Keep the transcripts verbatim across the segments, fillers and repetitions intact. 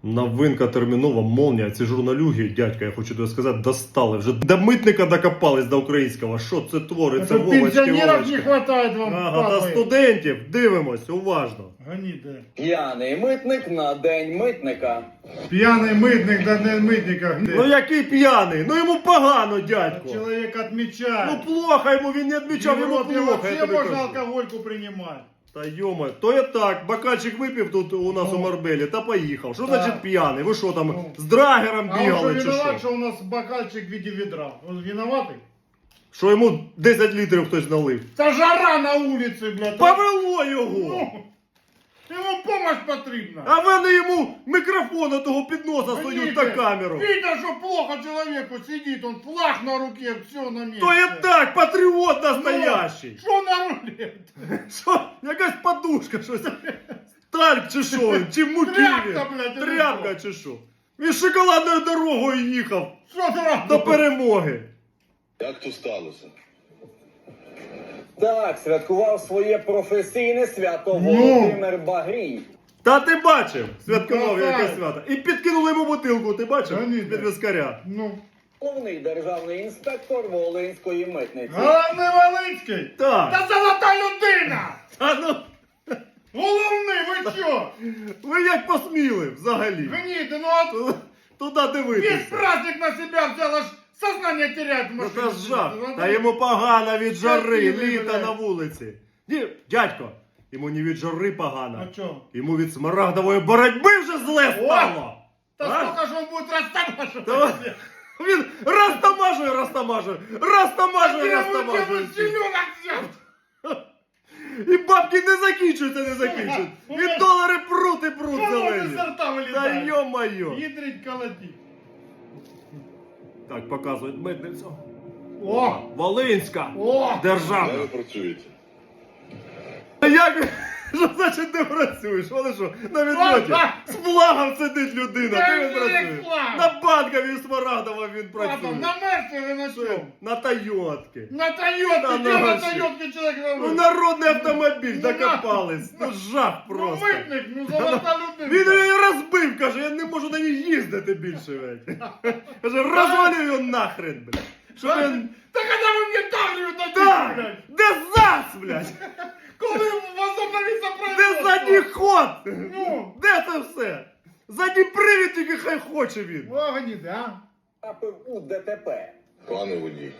Новинка термінова, молния. Ці журналюги, дядька, я хочу тобі сказати, достали. Вже до митника докопались до українського. Що це твориться, Вовочки, Пенсионеров не Вовочки? хватает вам, Ага, та падлы. студентів, дивимось, уважно. Гони, да. П'яний митник на день митника. Пьяный мытник, да не мытника. Ну який п'яний? Ну йому погано, дядько. Человек отмечает. Ну плохо йому, він не відмічав, йому Европе плохо. я вообще тобі можно кажу. алкогольку принимать. Та йома, то я так, бокальчик випив тут у нас Ну. у Марбелі та поїхав. Що Так. значить п'яний? Ви що там, Ну. з драгером А он бігали что чи виноват, що? что у нас бокальчик в виде ведра? Он виноватый? Що йому десять літрів хтось налив? Та жара на улице, блядь. Повело його! Ну, ему помощь потребна. А вони йому мікрофон от того під носа сують на камеру. Видно, что плохо человеку сидит, он флаг на руке, все на месте. То є так, патріот настоящий. Что на руле? Що? Якась подушка, щось. Танк чи що? він? Чи муки? Тряпка, він? блядь, Тряпка чи що? Він шоколадною дорогою їхав Что сразу? до перемоги. Як то сталося? Так, святкував своє професійне свято Ну. Володимир Багрій. Та ти бачив, святкував Ну, якесь так. свято. І підкинули йому бутилку, ти бачив? Та ні, Під так. вискаря. Ну, Головний державний інспектор Волинської митниці. головний Волинський. Так. Та золота людина! Та ну, Головний, ви що? ви як посміли взагалі? Гніти, ну от Ту- Туди весь дивитися. праздник на себя взял, аж сознание теряет в Ну машине. та жах. Ну, Та йому погано від жари, Терпіли, літа блядь. на вулиці. Ні, дядько, йому не від жари погано. А чё? Йому від смарагдової боротьби вже зле О! стало. Да А? сколько же он будет растамашивать? Та Він розтамажує, розтамажує, розтамажує, розтамажує. Зеленок взял. І бабки не закінчуються, не закінчуються. І долари прут і прут Что зелені. изо рта Та вылетает? йо-моє. Ядрить колотить. Так, показують митницю. О! Волинська. О! Де Державна. ви працюєте? Як? Що значить не працюєш? Вони що, на відльоті? З флагом сидить людина, Та ти він ні, працює. флаг. На банковій Смарагдова він Ладно, працює. на Мерсе на чем? На Тойотки. На Тойотке, Да, где на на вообще. Тойотке человек Ну говорит? народний автомобіль, Ну, докопались. Ну жах Ну просто. митник, ну золота людина. Він її розбив, каже, я не можу на ній їздити більше, блядь. Каже, розвалю його нахрен, блядь. Що він... Так когда вы мне давлю на Так! блядь? Де зас, блядь? Коли возобновиться Де производство? задній ход? Ну. Де це все? Задній привід тільки хай хоче він. Огні, да? Трапив у ДТП. Пане водій.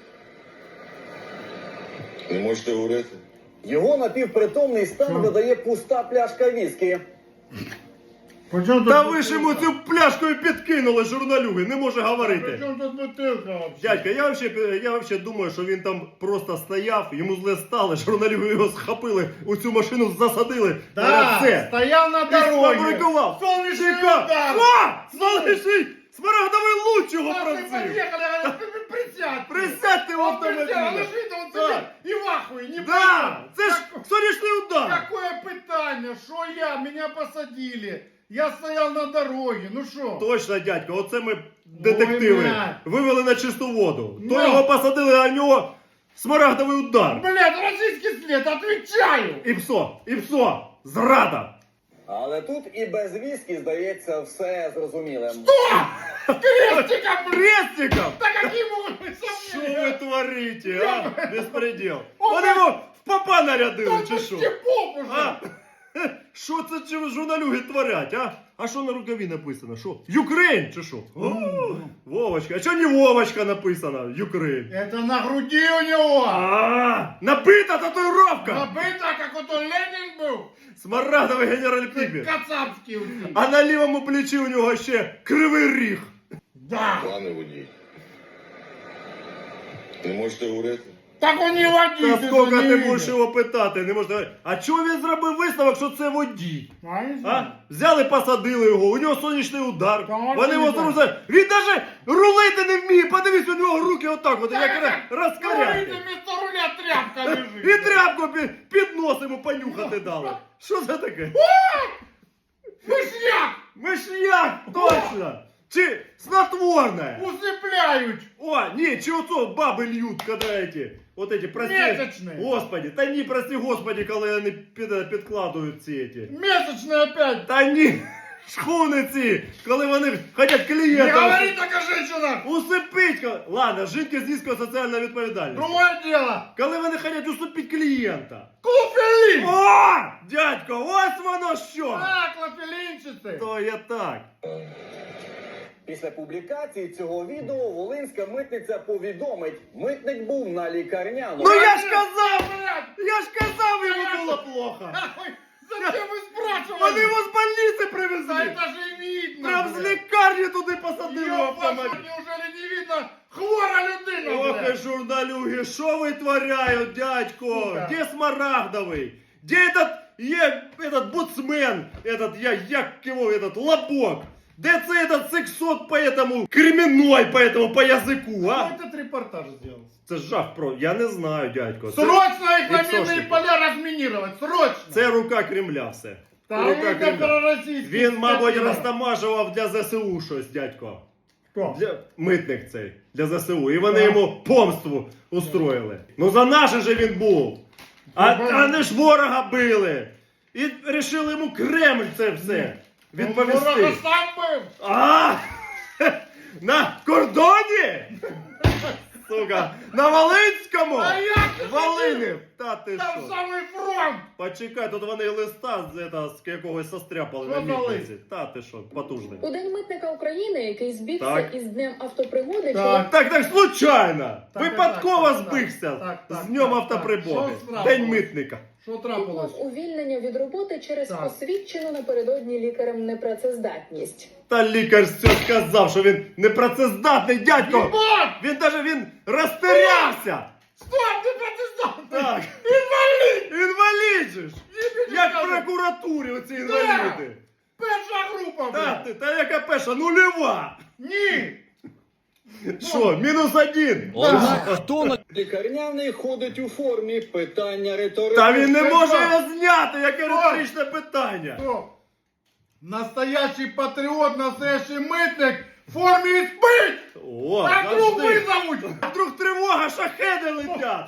Не можете говорити? Його напівпритомний стан видає пуста пляшка віскі. Причем Та ви ж йому цю пляшкою підкинули, журналюги, не може говорити. Причем тут бутылка вообще? Дядька, я вообще, я вообще думаю, що він там просто стояв, йому зле стало, журналюги його схопили, у цю машину засадили. Да, Все. стоял на І дороге. сфабрикував. Солнечный Чека- удар. О! Сонячний! Смарагдовий луч його Раз мы працює. подъехали, я говорю, «При- при- присядь. Присядьте в Он присел, автомобілі. он же видно, он Так. сидит и в ахуе, не Да, понял. це ж Как- сонячний удар. Какое питание, что я, меня посадили. Я стоял на дороге, ну что? Точно, дядько, оце ми детективи блядь. вивели на чисту воду. То Ну. його посадили, а в нього смарагдовий удар. Блядь, российский след, отвечаю. І псо, і псо, зрада. Але тут і без віскі здається все зрозумілим. Крестиком, блядь. Крестиком! Да какие могут быть Що ви сомнения? творите, а? Безпреділ. О, Вони блядь. його в попа нарядили, Да чи почти що? поп уже. А? Що це чи журналюги творять, а? А що на рукаві написано? Що? Юкрейн чи що? О, Вовочка. А що не Вовочка написано? Юкрейн. Это на груди у него. А, набита татуїровка! Набито, как вот он Ленин был. Смарагдовий генераль Піпі. Кацапский у них. А на лівому плечі у нього ще кривий ріг. Да. Пане водій. Не можете говорити? Так он не Та водитель. скільки он не ти видит. будеш його питати? Не можна. А чого він зробив висновок, що це водій? А, не А? знаю. Взяли, посадили його, у нього сонячний удар. Та можна Вони його не знаю. зрозуміли. Він навіть рулити не вміє. Подивись, у нього руки отак, от, як Говорите, розкаряти. вместо руля тряпка лежит. І тряпку під, під нос йому понюхати дали. Що це таке? Мышьяк Миш'як, точно! Чи снотворне? усыпляют. О, ні, чи оцо баби льють, коли эти, от эти, прости, Месячные. Господи, та ні, прости, Господи, коли вони під, підкладують ці эти. Месячные опять. Та ні, шхуни ці, коли вони хочуть Не клієнта. говори так о женщинах! Усипить. ко- Ладно, жінки з низькою соціальною відповідальністю. Другое дело! Коли вони хочуть усипити клієнта. Куфелин! О, дядько, ось воно що. А, клофелинчатый! То є так. Після публікації цього відео волинська митниця повідомить, митник був на лікарняному. Ну я ж казав, Блядь! я ж казав, йому було плохо. Нахуй! Зачем вы спрашивали? Вони його з больниці Да привезли. это же видно! Прям з блядь. лікарні туди посадили в Ёб вашу, автомобіль. неужели не видно? Хвора людина, Ох, і блядь! журналюги, що витворяють, дядько? Сука. Де Смарагдовий? Де этот, є, этот буцмен, этот, я, як його, этот, лобок? Де це этот сексот по этому, кременной по этому, по язику, Кто а? этот репортаж сделал? Це жах про, я не знаю, дядько. Це, Срочно их на Иксошники. минные поля разминировать! Срочно! це рука Кремля все. Та рука ви Кремля. проросійські Він, мабуть, скотина. розтамажував для ЗСУ щось, дядько. Хто? Для, митник цей, для ЗСУ. І вони Так. йому помству устроїли. Ну за наше же він був. А, Ну, а не ж ворога били. І вирішили йому Кремль це все Ну, відповісти. ворога сам був! А! На кордоні? Сука, на Волинському? А як ти Волинів! Та ти Там що? самий фронт! Почекай, тут вони листа з, ета, з якогось состряпали Що на за мітниці. Та ти що, потужний. У День митника України, який збігся Так. із Днем автопригоди, Так. Так, так, случайно! Так, Випадково так, так, збився так, так, з днем так, автоприбоги. так. Що трапилось? День митника. Що чоловік трапилось? мав увільнення від роботи через Так. освідчену напередодні лікарем непрацездатність. Та лікар все сказав, що він непрацездатний, дядько! Ебать! Він даже він розтерявся! Стоп, ти протестантний! Так, Інвалід! інвалід же ж! Єбі, Як в кажу, прокуратурі оці Да. інваліди! Перша група, Та, блядь! ти, та яка перша, нульова! Ні! Що, мінус один? Хто на Лікарняний ходить у формі, питання риторичне. Та він не Це може що? його зняти, яке Що? риторичне питання! Стоп! Настоящий патріот, настоящий митник в формі і спить! О, А вдруг завжди. визовуть! А вдруг тривога, шахеди летять!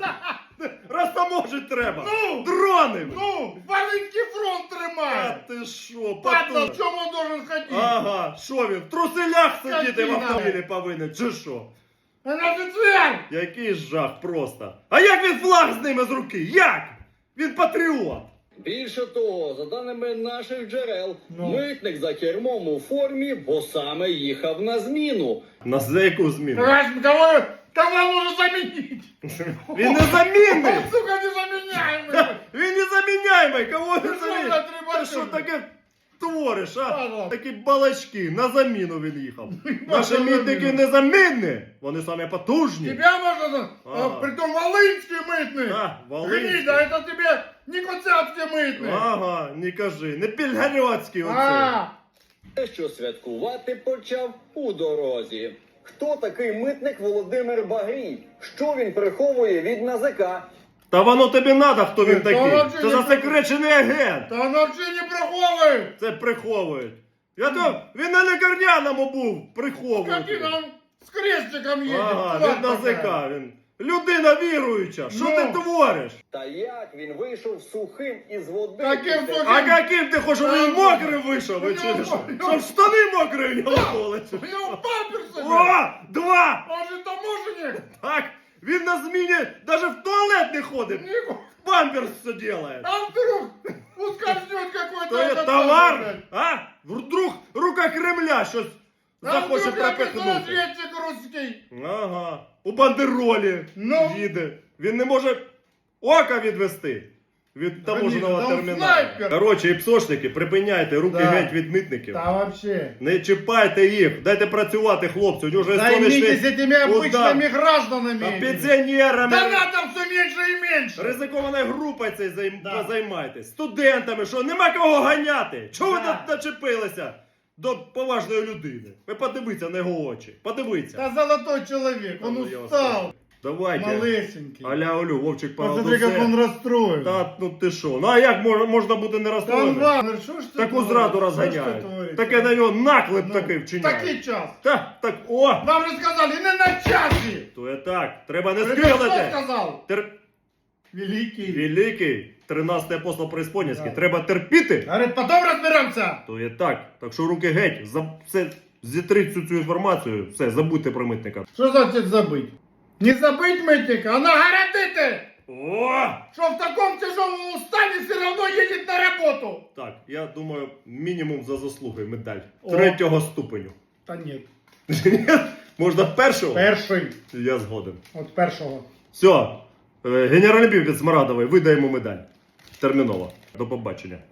Розтаможить треба! Ну! Дрони! Ну, Волинський фронт А тримає! ти що, Падла, патун? в чому должен ходити? Ага, що він, в труселях сидіти в Скотина. автомобілі повинен, чи що? Він офіцер! Який жах просто. А як він флаг з ними з руки? Як? Він патріот. Більше того, за даними наших джерел, Ну. митник за кермом у формі, бо саме їхав на зміну. На за яку зміну? Раз, кого, кого нужно заменить? Він незамінний! Он, сука, незаменяемый! Він незаміняємий! Кого Ти він що, замінить? блядь, Ти рибачок? що таке твориш, а? Ага. Такі балачки, на заміну він їхав. Наші на мітники заміну. незамінні! Вони самі потужні. Тебя можно, Ага. а, притом волынский мытный! А, волинські. Гнида, это тебе не коцапский мытный! Ага, не кажи, не пільгарьоцький оцей. А, Те, що святкувати почав у дорозі. Хто такий митник Володимир Багрій? Що він приховує від НАЗК? Та воно тобі надо, хто він Та такий. воно Це чи не засекречений агент. да он вообще не приховывает! Це приховують. Я то, він на лікарняному був, Как приховують. он там с крестиком едет! Ага, тварь від НАЗК, такая. він. Людина віруюча, що Ну. ти твориш? Та як він вийшов сухим із води? Таким після- сухим. А яким ти хочеш, щоб він мокрим вийшов? У Ви чи нього- що? у нього- Щоб штани мокрі в нього були? чи У него памперсы! що? блядь. О, два! Он же таможенник! Так, він на зміні навіть в туалет не ходить. Нику. Памперс все делает. А вдруг ускользнет какой-то То є этот товар, самый, блядь. а? Вдруг рука Кремля щось А захоче вдруг какой-то пропихнути. разведчик русский. Ага. У бандеролі Ну? їде. Він не може ока відвести від таможеного Конечно, там терміналу. снайпер. Коротше, іпсошники, припиняйте руки Да. геть від митників. Да вообще. Не чіпайте їх, дайте працювати хлопцю. У нього вже Займитесь сонячний этими удар. обычными гражданами. Та этими. пенсіонерами. Донатов все меньше и меньше. Ризикованою групою цей займ... Да. займайтесь. Студентами, що нема кого ганяти. Чого ви Да. тут начепилися до поважної людини? Ви подивіться на його очі. Подивіться. Да золотой человек, он Ну, я вас устал. Давайте. Малесенький. Аля Олю, Вовчик Посмотри, как он Парадусе. расстроен. Та ну ти що? Ну а як можна, можна бути не Там розстроєним? ладно, что ж ты Таку творишь? зраду Что ж ты розганяють. творишь? Таке на нього наклеп Ну, такий вчиняє. Такий час. Так, так, о! Вам же сказали, не на часі. То є так, треба не Тебе хто скиглити. сказав? Тер... Великий. Великий. тринадцятий апостол преісподнянський. Треба терпіти. Говорит, потом разберемся. То є так. Так що руки геть. За все, зітріть всю цю інформацію. Все, забудьте про митника. Что значит забыть? Не забыть мытника, а нагородите! О! Что в таком тяжелом устане все равно едет на работу. Так, я думаю, мінімум за заслуги медаль. О. Третього ступеню. Та нет. Можна першого? Перший. Я згоден. От першого. Все. Генеральний пів від Смарадової, видаємо медаль. Терміново. До побачення.